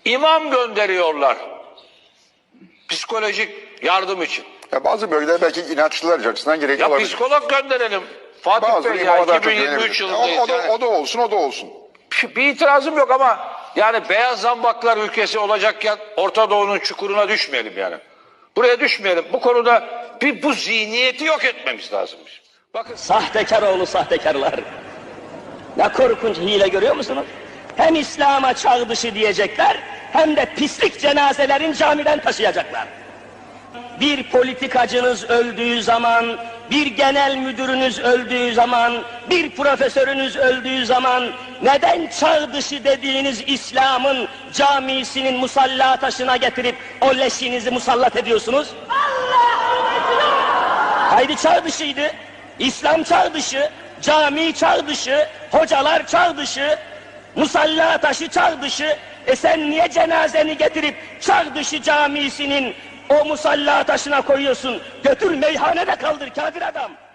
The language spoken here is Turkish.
İmam gönderiyorlar. Psikolojik yardım için. Ya bazı bölgeler belki inançlılar açısından gerekli Ya olabilir. psikolog gönderelim. Fatih Bazı Bey ya imamalar çok 2023 önemli. yılındayız. O da olsun, o da olsun. Bir itirazım yok ama yani beyaz zambaklar ülkesi olacakken Orta Doğu'nun çukuruna düşmeyelim yani. Buraya düşmeyelim. Bu konuda bu zihniyeti yok etmemiz lazım. Bakın. Sahtekar oğlu sahtekarlar. Ne korkunç hile görüyor musunuz? Hem İslam'a çağ dışı diyecekler, hem de pislik cenazelerin camiden taşıyacaklar. Bir politikacınız öldüğü zaman, bir genel müdürünüz öldüğü zaman, bir profesörünüz öldüğü zaman neden çağ dışı dediğiniz İslam'ın camisinin musalla taşına getirip o leşinizi musallat ediyorsunuz? Haydi çağ dışıydı. İslam çağ dışı, cami çağ dışı, hocalar çağ dışı, musalla taşı çağ dışı. Sen niye cenazeni getirip çağ dışı camisinin o musalla taşına koyuyorsun? Götür meyhanede kaldır kafir adam.